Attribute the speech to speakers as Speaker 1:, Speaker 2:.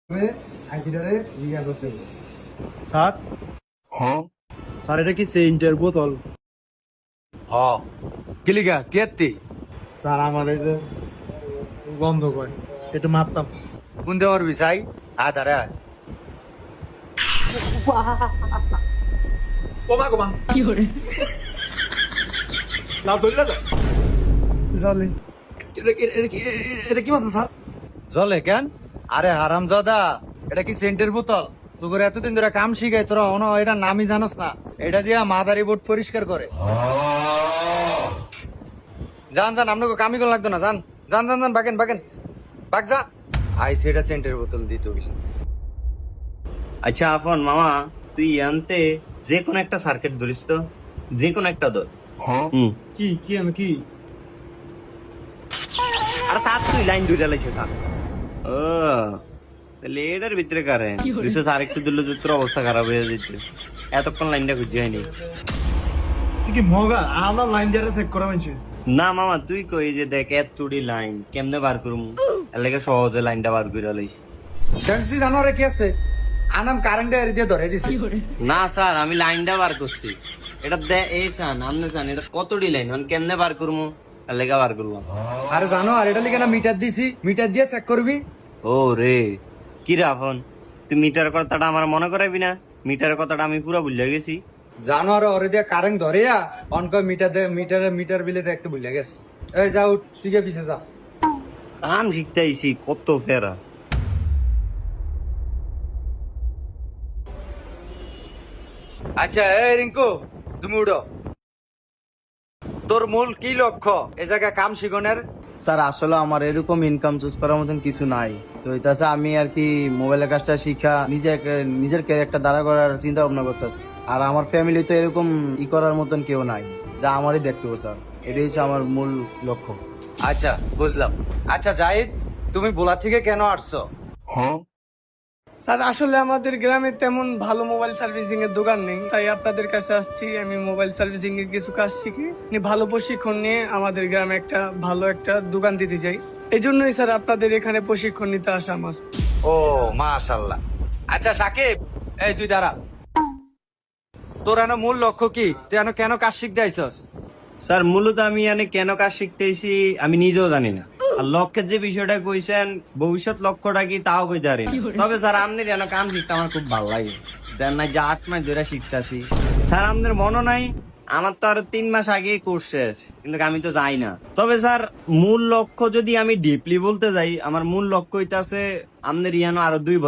Speaker 1: Sir sir এটা কি সেন্টের বোতল?
Speaker 2: হ কিলিকা কেতি
Speaker 1: স্যার আমার এই যে গন্ধ করে একটু মারতাম।
Speaker 2: কোন দেওয়ার বিষয় আধারে
Speaker 1: কমা কমা না চলে যা জলে এটা কি মাছ স্যার?
Speaker 2: জলে কেন? আরে হারাম জাদা, এটা কি সেন্টের বোতল? তোর এতদিন ধরে কাম শিখাই তোরা এটা নামই জানোস না? এটা দিয়া মাদারি বোর্ড পরিষ্কার করে। যান যান, আপনাকে কামি কোন লাগতো না, যান যান যান যান, বাগেন বাগেন বাগ যা। আইসি এটা সেন্টের বোতল দিত।
Speaker 3: আচ্ছা আফন মামা, তুই আনতে যে কোনো একটা সার্কিট ধরিস তো, যে কোনো একটা ধর।
Speaker 1: কি কি আমি কি
Speaker 3: আর সাত তুই লাইন ধরে লাইছে সাত। ও তাহলে এটার ভিতরে কারে বিশেষ আরেকটু দিলে তো তোর অবস্থা খারাপ হয়ে যেত। এতক্ষণ লাইনটা খুঁজে হয়নি।
Speaker 1: তুই কি মগা আমার লাইন দিয়ে চেক করা মানছি?
Speaker 3: না মামা, তুই কই যে দেখ এতটি লাইন কেমনে বার করুম, এর লাগে সহজে লাইনটা বার করে লাইস।
Speaker 2: সেন্স দি জানো রে কি আছে? আনাম কারেন্ট এর দিয়ে ধরে দিছি।
Speaker 3: না স্যার, আমি লাইনটা বার করছি। এটা দে এই সান আমনে সান, এটা কতটি লাইন মানে কেমনে বার করবো, এর লেগে বার করবো।
Speaker 2: আরে জানো, আর এটা লিখে না মিটার দিছি, মিটার দিয়ে চেক করবি।
Speaker 3: ও রে, কি রে আফন, তুই মিটার কথাটা আমার মনে করাবি না? মিটারের কথাটা আমি পুরো ভুলে গেছি।
Speaker 2: জানো, আর ওরে দিয়ে কারেন্ট ধরিয়া অনক মিটার দে, মিটার বিলে দেখতে ভুলে গেছে। এই যাও, তুই গিয়ে পিছে যা।
Speaker 3: কাম শিখতে আইছি কত ফেরা।
Speaker 2: আচ্ছা এই রিঙ্কু, তুমি উঠো। তোর মূল কি লক্ষ্য এ জায়গায় কাম শিখনের?
Speaker 4: স্যার আসলে আমার এরকম ইনকাম চুজ করার মতন কিছু নাই, তো এটা আমি আর কি মোবাইলের কাজটা শিখা নিজের ক্যারেক্টার দাঁড়া করার চিন্তা ভাবনা করতেছি। আর আমার ফ্যামিলি তো এরকম করার মতন কেউ নাই, যা আমারই দেখতে হবে স্যার, এটাই হচ্ছে আমার মূল লক্ষ্য।
Speaker 2: আচ্ছা বুঝলাম। আচ্ছা জাহিদ, তুমি বোলা থেকে কেন আসছো?
Speaker 5: স্যার আসলে আমাদের গ্রামে তেমন ভালো মোবাইল সার্ভিসিং এর দোকান নেই, তাই আপনাদের কাছে আসছি। আমি মোবাইল সার্ভিসিং এর কিছু কাজ শিখি, ভালো প্রশিক্ষণ নিয়ে আমাদের গ্রামে একটা ভালো একটা দোকান দিতে চাই। এই জন্যই স্যার আপনাদের এখানে প্রশিক্ষণ নিতে আসা আমার।
Speaker 2: ও মাশাল্লাহ। আচ্ছা সাকিব, এই তুই দাঁড়া। তোর এনো মূল লক্ষ্য কি? তুই এনো কেন কাজ শিখতে আইসস?
Speaker 3: স্যার মূলত আমি এনে কেন কাজ শিখতেছি আমি নিজেও জানি না। আর লক্ষ্যের যে বিষয়টা কইছেন, ভবিষ্যৎ লক্ষ্যটা কি তাও কইতে পারি না। তবে স্যার আমাদের এনে কাম শিখতে আমার খুব ভালো লাগে। দেন না যে 8 মাস ধরে শিখতেছি। স্যার আমাদের মনে নাই, আমার তো আরো 3 মাস আগে কোর্স শেষ, কিন্তু আমি তো যাই না। তবে স্যার মূল লক্ষ্য যদি আমি ডিপলি বলতে যাই, আমার মূল লক্ষ্য হইতাছে আমাদের ইয়ানো আরো 2